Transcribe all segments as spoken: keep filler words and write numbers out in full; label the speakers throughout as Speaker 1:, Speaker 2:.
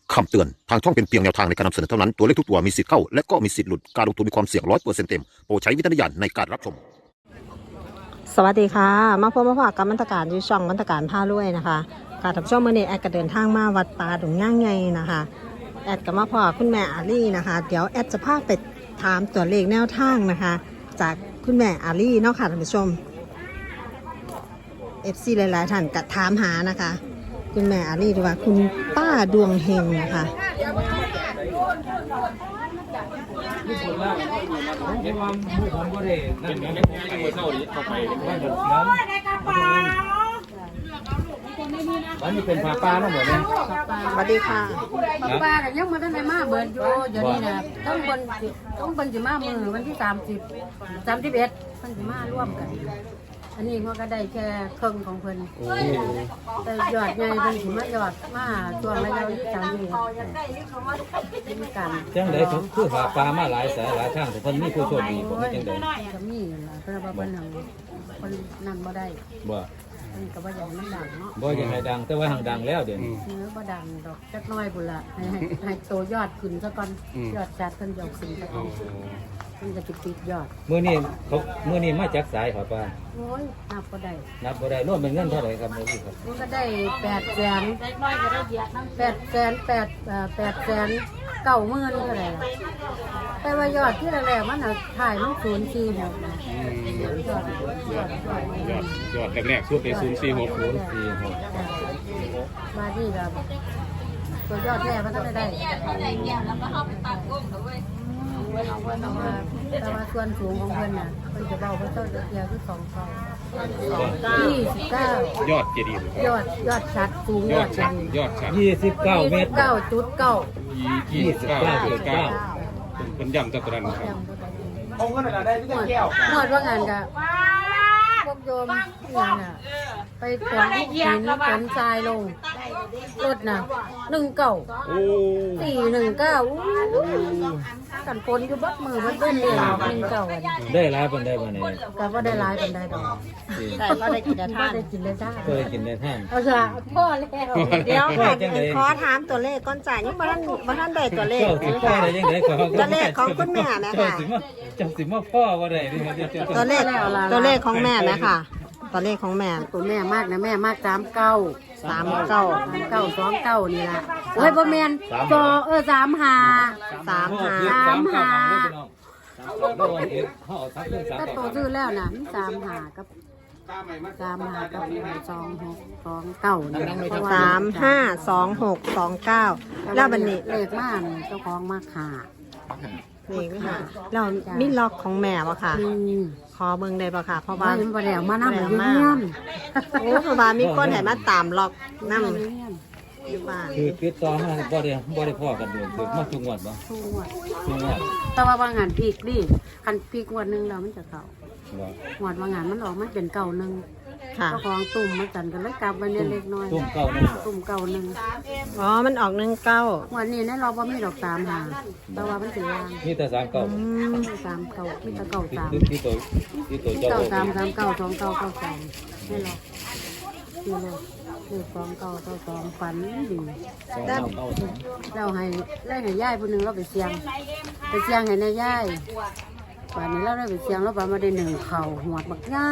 Speaker 1: คำเตือนทางช่องเป็นเพียงแนวทางในการนำเสนอเท่านั้นตัวเลขทุกตัวมีสิทธิ์เข้าและก็มีสิทธิ์หลุดการลงทุนมีความเสี่ยงร้อยเปอร์เซ็นต์เต็มโปรดใช้วิจารณญาณในการรับชม
Speaker 2: สวัสดีค่ะมาพบมาพบกับมันตการอยู่ช่องมันตการผ้าล้วยนะคะการทำช่องเมื่อนี้แอดก็เดินทางมาวัดป่าดงย่างไงนะคะแอดกับมาพอคุณแม่อาลี่นะคะเดี๋ยวแอดจะพาไปถามตัวเลขแนวทางนะคะ จากคุณแม่อาลี่เนาะค่ะท่านผู้ชมเอฟซีหลายๆท่านก็ถามหานะคะคุณแม่อาลี่หรือว่าคุณป้าดวงเฮงนะคะ
Speaker 3: เห็นว่าผู้ผมก็ได้นั่นไงไอ้เจ้าดิเข้าไปบ้านเดือดร้อนวันนี้เป็นผาปลาทั้งหมดเลย
Speaker 2: สวัสดีค่ะ
Speaker 4: ปลาแต่ยังมาได้มาเบิร์นโยเดี๋ยวนี้นะต้องบนต้องบนจะมามือวันที่สามสิบสามสิบเอ็ดมันจะมาร่วมกันอันนี้มันก็ได้แค่ครึ่งของเพิ่นแต่ยอดใหญ่เพิ่นถึงมายอดมาตัวระยะที่สามสิบมีกัน
Speaker 3: จังไดเขาคือผาปลามาหลายสายหลายทางแต่คนมีผู้โชคดีผมจังได
Speaker 4: ก็มีล่ะเพราะว่าเพิ่นหังคนนั่นบ่ได้
Speaker 3: บ่
Speaker 4: มันก็บ่อย่างมันดังเนาะ
Speaker 3: บ่ยังไงดังแต่ว่าห่างดังแล้วเดี๋ยวนี้
Speaker 4: เนื้อบ่ดังดอกจักน้อยพุ่นล่ะให้ให้ให้โตยอดขึ้นซะก่อนยอดจัดเพิ่นยกขึ้นซะก่อนมันจะติดยอด
Speaker 3: มื้อนี้เขามื้อนี้มาจากสายผาปลา
Speaker 4: โอ้ยนับก็ได้
Speaker 3: นับบ่ได้รวมเป็นเงินเท่าไหร่ครับมื้อนี้ครับ
Speaker 4: มันก็ได้แปดแสนแปดแสนแปดเอ่อแปดแสนเก้าหมื่นเท่าไหร่ล่ะแต่ว่ายอดที่แรกๆมันน่ะถ่ายมันศูนย์สี่หกนะยอดยอดยอด
Speaker 5: ยอดยอดแรกๆช่วงในศูนย์สี่หก
Speaker 3: ศูนย์สี่หก
Speaker 4: มาที่แบบตัวยอดแรกมันก็ได้แต่ว่าแต่ว่าส่วนสูงของเพิ่นน่ะเพิ่นจะเบาเพิ่นเจ้าจะเดียวคือสองเท่ายี่สิบเก้าย
Speaker 5: อดเจดีย์
Speaker 4: ยอดยอดชัดสูง
Speaker 5: ย
Speaker 4: ย
Speaker 5: อ
Speaker 4: อ
Speaker 5: ด
Speaker 4: ด
Speaker 5: ชั
Speaker 4: ชั
Speaker 5: ด
Speaker 4: ด
Speaker 5: ยอดชัด
Speaker 3: ยี่สิบเก้าเมตร
Speaker 4: เก้าจุดเก้า
Speaker 5: ยี่สิบเก้าจุดเก้าเป็นย่ำจัตุรันครับ
Speaker 4: หมดหมดว่างานกะพวกโยมงานน่ะไปขนหินขนทรายลงรถน่ะหนึ่งเก่า
Speaker 5: โอ้
Speaker 4: สี่หนึ่งเก้ากันฝนอยู่บัดมือบัดเบิ้ลเลยหนึ่งเก่า
Speaker 3: ได้หลายปานใดบ่นี่
Speaker 4: ก็ว่าได้หลายกันได้ดอก
Speaker 2: แต่ก็ได้กินได้
Speaker 4: ถ้า
Speaker 2: ท่าน
Speaker 4: ได้กินได้จ้า
Speaker 3: เคยกินได้ท่าน
Speaker 4: เอาละพ่อแล้ว
Speaker 2: เดี๋ยวค่ะ
Speaker 3: จังเลย
Speaker 2: ขอถามตัวเลขก่อนจ่ายยังบ่ทันบ่ทันได้ตัวเลข
Speaker 3: เจ้าสิพ่อได้ยังไงก็
Speaker 2: ตัวเลขของคุณแม่นะ
Speaker 3: เจ้า
Speaker 2: คะ
Speaker 3: สิมาเจ้าสิมาพ่อบ่ได้นี่ครับเจ้า
Speaker 2: ตัวเลขตัวเลขของแม่นะคะตัวเลขของแม่
Speaker 4: ตัวแม่มากนะแม่มากสามเก้า
Speaker 2: สามเก้า
Speaker 4: สามเก้าสองเก้านี่ละโอ้ยบ่แมนสอเออสามหา
Speaker 2: สามหา
Speaker 4: สามหา
Speaker 3: เมื่อวันเอ็ดเขาเอาทักเรื่องสาม
Speaker 4: ก็
Speaker 3: เก้า
Speaker 4: โตซื้อแล้วนะมีสามหากับสามหากับสองหกสองเก้านี่เพระว่
Speaker 2: สามห้าสองหกสองเก้าแล้วบันนี้
Speaker 4: เลขมากนี่เจ้าของมาขา
Speaker 2: นี่ค่ะเรามีล็อกของแม่ปะค่ะ
Speaker 4: อืม
Speaker 2: ขอเบิ่งได้ปะค่ะเพราะ
Speaker 4: บ้า
Speaker 2: ว่าน
Speaker 4: บ่ได้เอามานำอยู่
Speaker 2: บ่ได้
Speaker 4: เงี้ย
Speaker 2: เอา
Speaker 4: น
Speaker 2: โอ้เพราะว่ามีคนให้มาตามล็อกนั่งอยู่บ้าน
Speaker 3: คือติดต่อมาบ่ได้บ่ได้พ่อกันโดนคือมาทุกงวดบ่
Speaker 4: ทุกงวด
Speaker 3: ทุกงวด
Speaker 4: แต่ว่าว่างานพีกดิคันพีกงวดหนึงแล้วมันจะเข้า
Speaker 3: บ่
Speaker 4: งวดว่างานมันออกมันเป็นเก่าหนึง
Speaker 2: ค่ะ
Speaker 4: เจ้าของตุ่มมาจันกันเลยกลับไปเนี่ยเล็กน้อย
Speaker 3: ตุ้มเก้านั่น
Speaker 4: ตุ่มเก่าหนึง
Speaker 2: อ๋อมันออกหนึ่งเก้า
Speaker 4: วันนี้ในเราบ่มีดอกสามหาแต่ว่ามันสิวาง
Speaker 3: มีแต่สามเก้า
Speaker 2: อืม
Speaker 4: มีสามเก่ามีแตะเก่า
Speaker 3: ที่
Speaker 4: สาม
Speaker 3: ที่ตัวที่ตัว
Speaker 4: มี
Speaker 3: เจ้า
Speaker 4: เก่าสามสามเก่าสองเก่าเก่าสองนี่หรอกนี่หรอกนี่สองเก่าเก่าสองฝันดี
Speaker 3: สองเก้าเก้าสอง
Speaker 4: เราให้ไล่ให้ย่ายผู้หนึ่งเราไปเสียงไปเสียงให้ในย่ายป่านนี้เราได้ไปเสียงเราไปมาได้หนึ่งเข่าหัวบักย่าย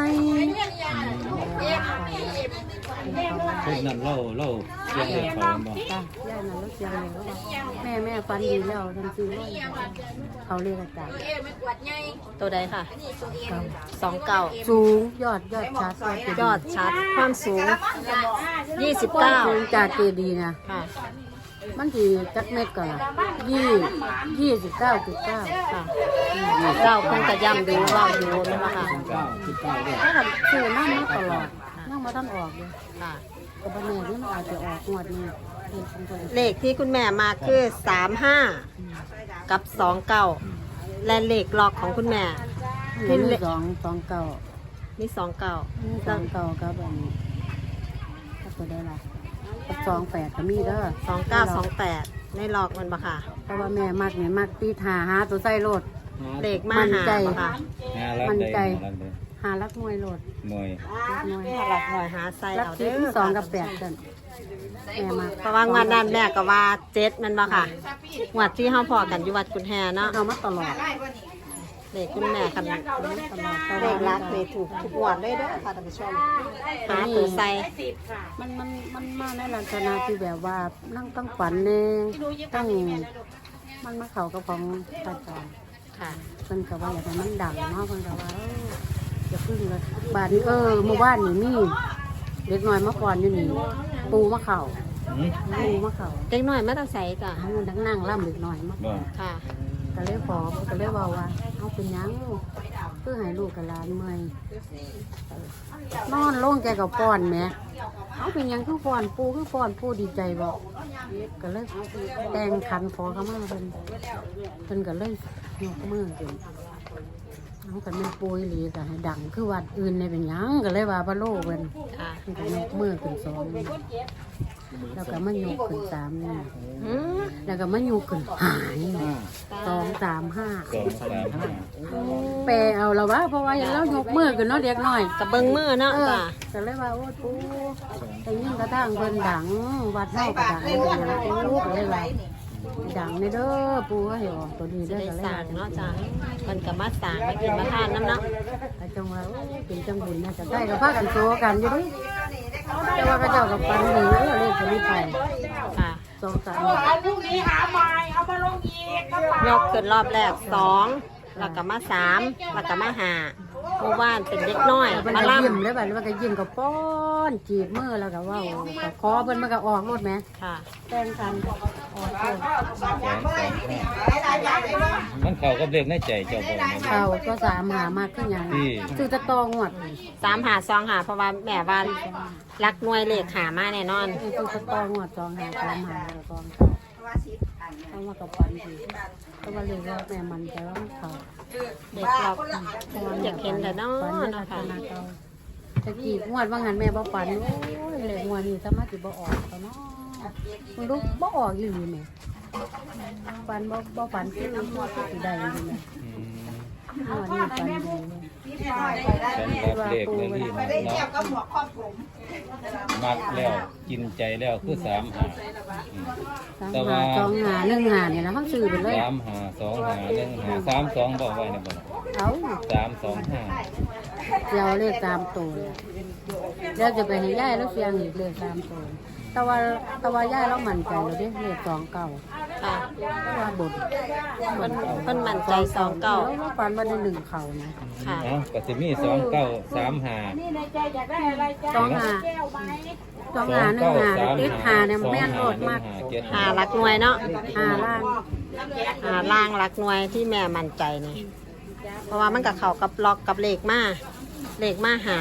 Speaker 3: คนนั้นเล่าเล่าเสียงเด็กเขาบ่
Speaker 4: จ้ะย่ายนั่นเราเสียงเลยแล้วว่าแม่แม่ฝันดีแล้วทันทีเลยเขาเรียกอาจารย์
Speaker 2: ตัวใดค่ะ
Speaker 4: เก่า
Speaker 2: สองเก้า
Speaker 4: สูงยอดยอดชัด
Speaker 2: ยอดชัดความสูงยี่สิบ
Speaker 4: เก้า
Speaker 2: เก้า
Speaker 4: สูงจากเจดีย์นะ
Speaker 2: ค่ะ
Speaker 4: มันกี่จักเม็ดก่อนล่ะยี่ยี่สิบเก้าจุดเก้า
Speaker 2: ค่ะเราเพิ่งจะย้ำดูว่าดูนั่นแหละค่ะ
Speaker 3: เก้าสิบเก้าด้วย
Speaker 4: ถ้าแบบซื้อนั่งมาตลอดนั่งมาท่านออกเลย
Speaker 2: ค่ะ
Speaker 4: กับบันเน่ที่มันอาจจะออกงวดนี้เลขของตัวเอง
Speaker 2: เลขที่คุณแม่มาคือสามห้ากับสองเก้าและเลขล็อกของคุณแม่
Speaker 4: เห็นสองสองเก้า
Speaker 2: นี่สองเก้า
Speaker 4: สองเก้ากับอันนี้ก็ตัวได้ละกับสองแปดก็มีเด้อ
Speaker 2: สองเก้าสองแปดในล็อกมันปะค่ะ
Speaker 4: เพราะว่าแม่มักเนี่ยมักตีหาหาตัวใส่โลด
Speaker 2: เลขมาหาปะค่ะ
Speaker 3: หาลัก
Speaker 4: มัน
Speaker 3: ได้
Speaker 4: ใจ
Speaker 3: หาลักได้
Speaker 4: หาลักมวยโลด
Speaker 3: หน่วย
Speaker 4: ลักมวย
Speaker 2: หลักหน่อยหาไซ
Speaker 4: ลัก
Speaker 2: เอา
Speaker 4: ที่
Speaker 2: เด้อ
Speaker 4: สองกับแปดกันแม่มา
Speaker 2: เพราะว่างวดนั้นแม่ก็ว่าเจ็ดแมันบ่ค่ะงวดที่เฮาพอกันอยู่วัดกุนแฮเนาะ
Speaker 4: เอามาตลอด
Speaker 2: เลขคุณแม่คัน
Speaker 4: ตลอดตล
Speaker 2: เล
Speaker 4: อด
Speaker 2: ขรักนี่ถูกทุกงวดเลยเด้อค่ะท่านผู้ชมหาตัวใส่
Speaker 4: มันมันมันมาในลักษณะที่แบบว่านั่งตั้งฝันแน่ตั้งมันมาเข้ากับของตาจอน
Speaker 2: ค่ะ
Speaker 4: เพิ่นก็ว่าอย่างนั้นมันดังเนาะเพิ่นก็ว่าเอออย่าพึ่งเลยบาดนี้เออเมื่อวานนี่มีเด็กน้อยมาก่อนอยู่นี่ปูมาเข่า
Speaker 5: อืม
Speaker 4: ปูมาเข่า
Speaker 2: เด็กน้อยมาแตาใส่จ้ะ
Speaker 4: ทั้งนั้นทั้งนั่งล่ำเด็กน้อยมา
Speaker 5: บ่
Speaker 2: ค่ะ
Speaker 4: ก็เลยขอก็เลยบอกว่าเอาเป็นหยังเพื่อให้ลูกกับหลานเมื่อยนอนลงแกกับป้อนแหม่เอาเป็นหยังคือป้อนปูคือป้อนปูดีใจบอกก็เลยแต่งขันขอเขามาเพิ่นเพิ่นก็เลยยกมือขึ้นเอากันเป็นปูอีหลีก็ให้ดังคือวัดอื่นในเป็นหยังก็เลยว่าพระโลกเพิ่น
Speaker 2: ค่ะ
Speaker 4: เพิ่นก็ยกมือขึ้นสองนี่แล้วก็มายกขึ้นสามนี่
Speaker 2: อืม
Speaker 4: แล้วก็มายกขึ้นหายสองสามห้า
Speaker 5: สองสามห้า
Speaker 4: แปลเอาละวะเพราะว่าอย่างเรายกมือกันเนาะเด็กน้อย
Speaker 2: กับเบิ่งมือเนาะ
Speaker 4: เออ
Speaker 2: จ้ะ
Speaker 4: ก็เลยว่าโอ้ปูแต่ยิ่งกระทั่งเพิ่นดังวัดเฮาก็ดังเป็นหยังปูก็เลยว่าดังในเด้อปูก็ให้ออกตัวนี้เด้อ
Speaker 2: ได้
Speaker 4: ก็เลย
Speaker 2: สั่
Speaker 4: ว่าง
Speaker 2: เนาะจ้ะมันก็มาสั่งมากินมาทานน้ำเนาะ
Speaker 4: แต่จังว่าโอ้เป็นจังบุญนะจะได้ก็พากันโซกันอยู่ดิแต่ว่าก็เจ้ากับปันดีเออเลขตัวนี้ไป
Speaker 2: ค่ะ
Speaker 4: สองสาม
Speaker 2: ยกขึ้นรอบแรกสองแล้วก็มาสามแล้วก็มาห้าเมื่อวานเป็นเด็กน้อย
Speaker 4: มัน
Speaker 2: มา
Speaker 4: ก็
Speaker 2: ล่
Speaker 4: ยิ้มเลยบัดนี้มันก็ยิ้มกับป้อนจีบมือแล้วก็เว่าก็คอเพิ่นมันก็ออกรถแหม
Speaker 2: ำค่ะ
Speaker 4: แต่งกันออกรถ
Speaker 5: สองสองห้ามันเข้ากับเลขในใจเจ้าบ่แม่น
Speaker 4: เขาก็สามหามากขึ้นอย่าง
Speaker 5: ที่
Speaker 4: ซื้อตะตองวด
Speaker 2: สามหาสองหาเพราะว่าแม่บ้านรักหน่วยเลขหามาแน่นอน
Speaker 4: ซื้อตะตองวดสองหาสามหาตะตองเขามากับปันทีก็ว่าเรียกว่าแม่มันแต่ว่ามันเขา
Speaker 2: เด็กเราอยากเห็นแต่เนา
Speaker 4: ปัน
Speaker 2: ะ
Speaker 4: ลั
Speaker 2: เนาะ
Speaker 4: กษ
Speaker 2: ค่ะ
Speaker 4: ณะเขาตะกี้งวดว่างันแม่บ่ปันโอ้ยเลยงวดนี้สามารถสิบ่ออกเขาเนาะมึงรู้บ่ออกอยู่นี่แม่ปันบ่บ่ปันคือมันก็สิได้อยู่แม่
Speaker 5: อืม
Speaker 4: งวดนี้ปันดีเลย
Speaker 5: สำหรับเลขในนี่นะเนาะมักแล้วกินใจแล้วคือสามหาอืม
Speaker 4: สาม
Speaker 5: แต่ว่า
Speaker 4: หาสองหาหนึ่งหาเนี่ยนะเขาซื้อไปเลย
Speaker 5: สามหาสองหาหนึ่งหาสามสองบอกไว้นะบ่
Speaker 4: เอา
Speaker 5: สามสองห้า
Speaker 4: เดี๋ยวเลขตามตัวเลยแล้วจะไปให้ย่ายแล้วเสียงอีกเลขตามตัวแต่ว่าแต่ว่าย่ายเรามั่นใจเลยเด้เลขสองเก่า
Speaker 2: ค่ะ
Speaker 4: เพราะว่าบน
Speaker 2: เพิ่นเพิ่นมั่นใจสองเก้า
Speaker 4: แล้วเราปันมาได้หนึ่งเข่านะ
Speaker 2: ค่ะ
Speaker 5: เนาะก็สิมีสองเก้าสามหา
Speaker 4: สองหาสองหาหนึ่งหาติดหาเนี่ยแม่นโลดมาก
Speaker 2: หารักหน่วยเนาะ
Speaker 4: หาล่าง
Speaker 2: หาล่างรักหน่วยที่แม่มั่นใจนี่เพราะว่ามันกับเขากับล็อกกับเลขมาเลขมาหา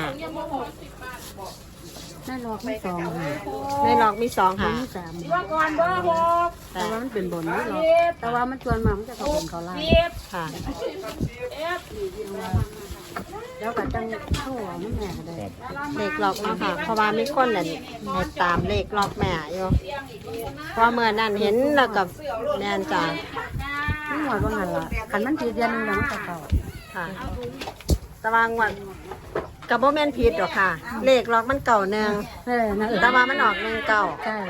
Speaker 4: แม่นลอกไม่สองหา
Speaker 2: ในล็อกมีสองหา
Speaker 4: ไม่สามแต่ว่ามันเป็นบนนี่หรอกแต่ว่ามันชวนมามันจะเขาบนเขาล่าง
Speaker 2: ค่ะ
Speaker 4: แล้วก็จังเข้าหัวมันแม่ก็ได้
Speaker 2: เลขล็อกเนาะค่ะ เพราะว่ามีคนนั่นให้ตามเลขล็อกแม่อยู่เพราะเมื่อนั้นเห็นแล้วกับแม่นจ้า
Speaker 4: นี่หวดว่างันละขันมันผิดเดือนหนึงแล้วมันจะเก่า
Speaker 2: ค่ะแตะวางวันกับโบแมนผิดหรอกค่ะ เลขล็อกมันเก่าหนึ่ง
Speaker 4: เออนั่น
Speaker 2: แต่ว่ามันออกหนึ่งเก่า
Speaker 4: ใช่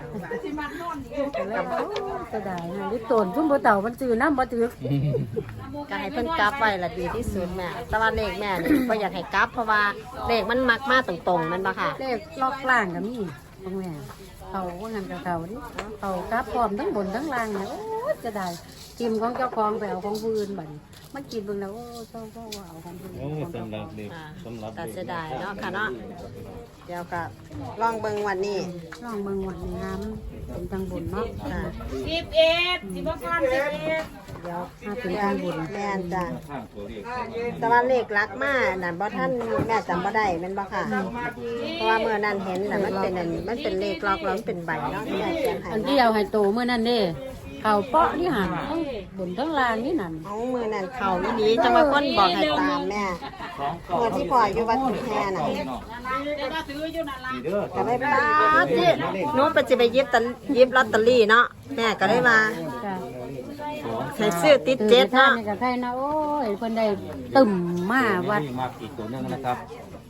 Speaker 4: กับจะได้นะลิตนชุ่มบัวเต่ามันจือน้ำบัวจือ
Speaker 2: ก็ให้เพิ่นกลับไว้ละดีที่สุดแม่แต่ว่าเลขแม่นี่ก็อยากให้กลับ เพราะว่าเลขมันมักมาตรงๆแมันปะค่ะ
Speaker 4: เลขลอกล่างกับนี่ของแม่เขาว่างันกับเขาดิเขากลับพร้อมทั้งบนทั้งล่างเนี่ยโอ้จะได้กิมของเจ้าของไปเอาของผู้อื่นบัดนี้มันกินเบิ่งแล้วโอ้เจ้าก็ว่าเอาของผู้อื่น
Speaker 5: โอ้สำหรับเด็ก
Speaker 2: ค่ะ
Speaker 5: สำหรับ
Speaker 2: แต่
Speaker 5: เด็ก
Speaker 2: เสียดายเนาะค่ะเนาะเดี๋ยวก็ลองเบิ่งวันนี้
Speaker 4: ลองเบิ่งวันนี้นะมันเป็นทางบุญเนาะ
Speaker 2: ค่ะ
Speaker 6: สิบเอ็ดสิบก้อนสิบเอ็ด
Speaker 2: เดี๋ยว
Speaker 4: ถ้าเป็นทางบุญ
Speaker 2: แม่นจ้ะ
Speaker 5: ข้างตัวเลข
Speaker 2: แต่ว่าเลขลักมานั่นบ่ท่านแม่จำบ่ได้แม่นบ่ค่ะ เพราะว่าเมื่อนั้นเห็นน่ะมันเป็นอันมันเป็นเลขล็อกแล้วมันเป็นใบเนาะที่แม่เขียนให้
Speaker 4: อันที่เอาให้โตเมื่อนั้นเด้เขาเปาะนี่หันทั้งบนทั้งล่างนี่นั่น
Speaker 2: เอามือนั่นเข่าอีหลีจังว่าคนบอกให้ตามแม่เมื่อที่พ่ออยู่วัดขุนแพน่ะก็เลยป้าที่หนูไปสิไปหยิบตะหยิบลอตเตอรี่เนาะแม่ก็เลยว่า
Speaker 4: จ้ะ
Speaker 2: ให้ซื้อติดเจ็ด
Speaker 4: ท่า
Speaker 2: เนาะ
Speaker 4: นนี่กับใครนะโอ้ยเพิ่นได้ตึมมาวัด
Speaker 5: นี่มากอีกตัวหนึงนะครับ
Speaker 4: จ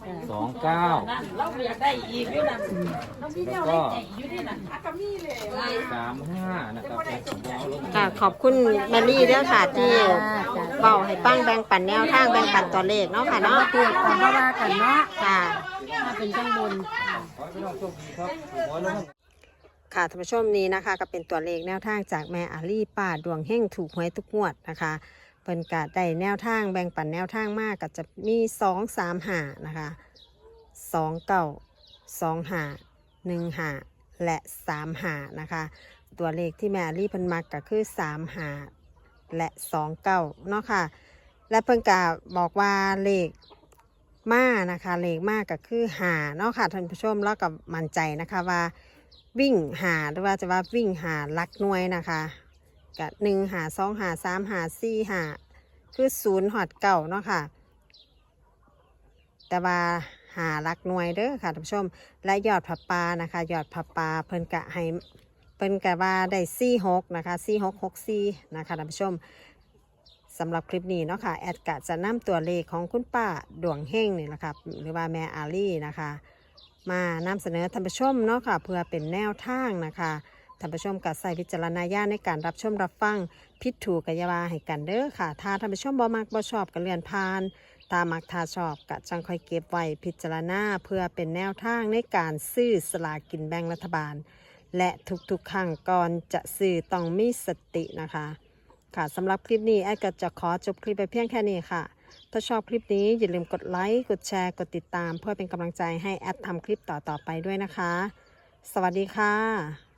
Speaker 5: สองเก้า
Speaker 6: เราอยากได้อีกอยู่นั่นเราพี่
Speaker 5: แล้
Speaker 6: เจ้าว
Speaker 5: ก็
Speaker 6: ได้อยู่ที่นั่นอ่ะก็มีเลย
Speaker 5: สามห้านะครับผมเอาลง
Speaker 2: ค่ะขอบคุณแมรี่เด้อค่ะที่เบาให้ฟังแบ่งปันแนวทางแบ่งปันตัวเลขเนาะค่ะ
Speaker 4: เนาะ
Speaker 2: เนาะ
Speaker 4: เตือนกันว่ากันเนาะ
Speaker 2: ค่ะ
Speaker 4: ถ้าเป็นข้างบน
Speaker 5: ขอให้พี่น้องโชคดีครับขอให้ลง
Speaker 2: ค่ะท่านผู้ชมนี้นะคะก็เป็นตัวเลขแนวทางจากแม่อาลี่ป้าดวงเฮงถูกหวยทุกงวดนะคะเพิ่นกะได้แนวทางแบ่งปันแนวทางมากก็จะมีสองสามหานะคะสองเก้าสองหาหนึ่งหาและสามหานะคะตัวเลขที่แม่อาลี่เพิ่นมักก็คือสามหาและสองเก้าเนาะค่ะและเพิ่นกะบอกว่าเลขมานะคะเลขมากก็คือหาเนาะค่ะท่านผู้ชมแล้วก็มั่นใจนะคะว่าวิ่งหาหรือว่าจะว่าวิ่งหาลักหน่วยนะคะกับหนึ่งหาสองหาสามหาสี่หาคือศูนย์หอดเก่าเนาะค่ะแต่ว่าหาลักหน่วยเด้อค่ะท่านผู้ชมและยอดผับปลานะคะยอดผับปลาเพิ่นกะให้เพิ่นกะว่าได้สี่หกนะคะสี่หกหกสี่นะคะท่านผู้ชมสำหรับคลิปนี้เนาะค่ะแอดกะจะนำตัวเลขของคุณป้าดวงเฮงนี่แหละค่ะหรือว่าแม่อาลี่นะคะมานำเสนอท่านผู้ชมเนาะค่ะเพื่อเป็นแนวทางนะคะท่านผู้ชมกัดใส่วิจารณญาณในการรับชมรับฟังพิดถูกกัยาวาให้กันเด้อค่ะถ้าท่านผู้ชมบ่มักบ่ชอบก็เลื่อนผ่านตามักทาชอบกะจังค่อยเก็บไว้พิจารณาเพื่อเป็นแนวทางในการซื้อสลากกินแบ่งรัฐบาลและทุกๆครั้งก่อนจะซื้อต้องมีสตินะคะค่ะสำหรับคลิปนี้แอดก็จะขอจบคลิปไปเพียงแค่นี้ค่ะถ้าชอบคลิปนี้อย่าลืมกดไลค์กดแชร์กดติดตามเพื่อเป็นกำลังใจให้แอดทำคลิปต่อๆไปด้วยนะคะสวัสดีค่ะ